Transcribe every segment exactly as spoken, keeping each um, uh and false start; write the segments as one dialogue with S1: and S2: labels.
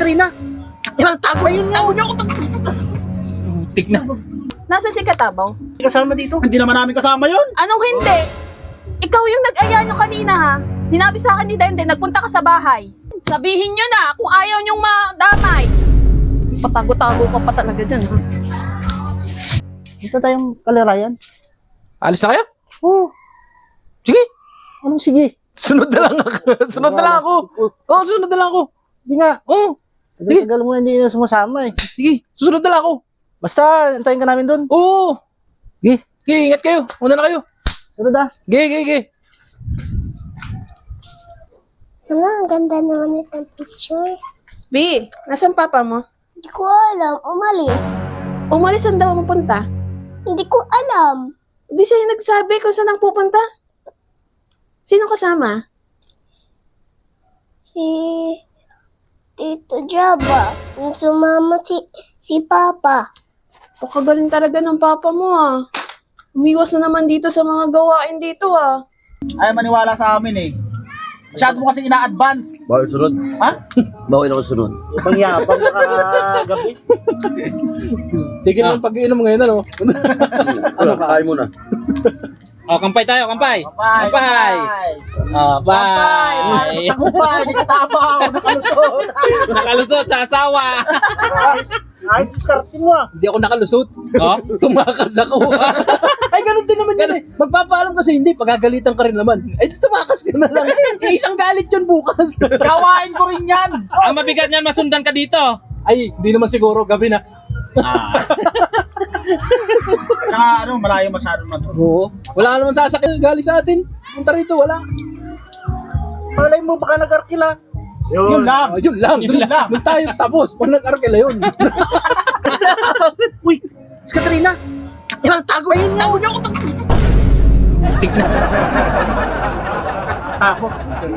S1: Katrina! Yan, tago yun nga! Tago niyo ako!
S2: Tik na.
S3: Nasa si Katabaw?
S1: Kasama dito. Hindi naman namin kasama yon.
S3: Anong hindi? Ikaw yung nag-aya nyo kanina ha? Sinabi sa akin ni Denden, nagpunta ka sa bahay. Sabihin nyo na kung ayaw nyong madamay. Patago-tago ka pa talaga dyan ha?
S1: Ito tayong kalirayan.
S2: Alis na kayo?
S1: Oo.
S2: Sige.
S1: Anong sige?
S2: Sunod na lang ako. Sunod na lang ako. Oo, sunod na lang ako.
S1: Hindi nga.
S2: Oo.
S1: Tagal mo hindi na sumasama eh.
S2: Sige, susunod na lang ako.
S1: Basta, antayin ka namin doon.
S2: Oo.
S1: Sige.
S2: Sige, ingat kayo. Una na kayo.
S1: Ano da?
S2: Sige, sige, sige.
S4: Ano, ang ganda naman itong picture.
S3: B, nasan papa mo?
S4: Hindi ko alam, umalis.
S3: Umalis ang daw mapunta.
S4: Hindi ko alam.
S3: Di sa'yo nagsabi kung saan ang pupunta. Sino kasama?
S4: Si Tito Jaba. Yung sumama si, si Papa.
S3: O kagaling talaga ng papa mo ah. Umiwas na naman dito sa mga gawain dito ah.
S1: Ay, maniwala sa amin eh. Masyado mo kasi ina-advance.
S5: Bawal sunod.
S1: Ha?
S5: Bawal ako sunod.
S1: Ibang yapang nakagabi.
S2: Tigil mo yung pag-iinom ngayon, ano?
S5: Ano, kain muna.
S2: Oh, kampay tayo, kampay.
S1: Kampay!
S2: Kampay. Ah,
S1: Kampay!
S2: bye.
S1: Tagumpay! Di ka tabaw! Nakalusot!
S2: Nakalusot sa asawa.
S1: Ayos! Ayos diskarte mo ah!
S2: Hindi ako nakalusot. Oh, tumakas ako. Ay, ganun din naman yan eh. Magpapaalam kasi hindi, pagagalitan ka rin naman. Ay, tumakas ka na lang. Eh, isang galit yun bukas.
S1: Gawain ko rin yan!
S6: Ang mabigat niyan, masundan ka dito.
S2: Ay, hindi naman siguro, gabi na.
S1: Tsaka ano, malayo masyado na doon.
S2: Oo. Wala naman sasakyan gali sa atin. Punta rito, wala.
S1: Malay mo, baka nag-arkila. Yun, lang!
S2: Oh, yun lang.
S1: Yun
S2: Yun
S1: lang.
S2: Doon tayo tapos. Pag nag-arkela yun.
S1: Uy! Si Katrina! Yan, tago yun nga! Tago niyo ako!
S2: Tik na.
S1: Tago.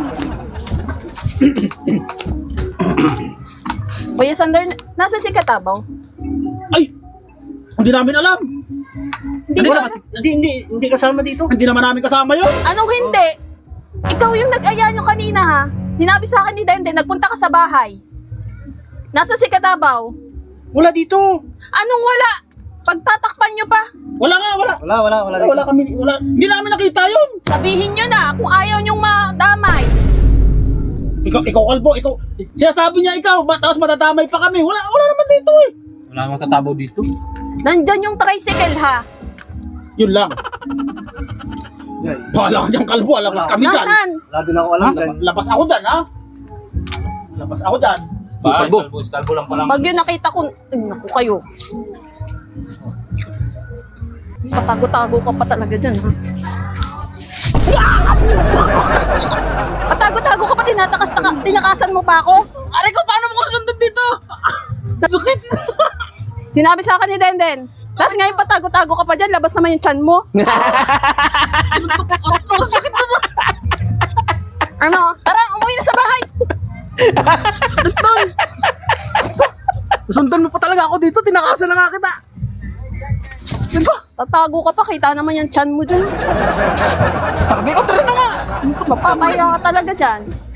S3: Kuya Sander, nasa si Katabaw?
S1: Ay! Hindi namin alam!
S3: Hindi
S1: Wala,
S3: ba?
S1: hindi, hindi, hindi kasama dito. Hindi naman namin kasama yun.
S3: Anong hindi? Ikaw yung nag-aya nyo kanina ha? Sinabi sa akin ni Denden, nagpunta ka sa bahay. Nasa si Katabaw?
S1: Wala dito.
S3: Anong wala? Pagtatakpan nyo pa?
S1: Wala nga, wala.
S5: Wala, wala, wala.
S1: Wala, wala kami, wala. Hindi namin nakita yun.
S3: Sabihin nyo na kung ayaw nyong madamay.
S1: Ikaw, ikaw kalbo, ikaw. Sinasabi niya ikaw, ma- tapos matatamay pa kami. Wala, wala naman dito eh.
S6: Wala nang matatabaw dito.
S3: Nandyan yung tricycle ha?
S1: Yun lang. Bahala ka dyan kalbo, labas kami dyan.
S3: Nasaan?
S5: Wala din ako alam.
S1: Ha? Labas ako dyan, ha? Labas ako dyan.
S6: Bakit?
S2: Kalbo.
S6: Kalbo, kalbo lang pala.
S3: Pag yun nakita ko, ay, naku kayo. Patago-tago ka pa talaga dyan ha? Patago-tago ka pa, tinatakas, taka, tinakasan mo pa ako?
S1: Aray ko, paano mo ko nasundan dito?
S3: Nasukit. Sinabi sa akin ni Denden. Tapos ngayon patago-tago ka pa dyan, labas naman yung tiyan mo.
S1: Sakit naman.
S3: Ano? Tara, umuwi na sa bahay.
S2: Sundan mo pa talaga ako dito. Tinakasan na nga kita. Yan ba?
S3: Tatago ka pa, kita naman yung tiyan mo dyan.
S2: Sabi ko, tara na nga.
S3: Mapapaya ka talaga dyan.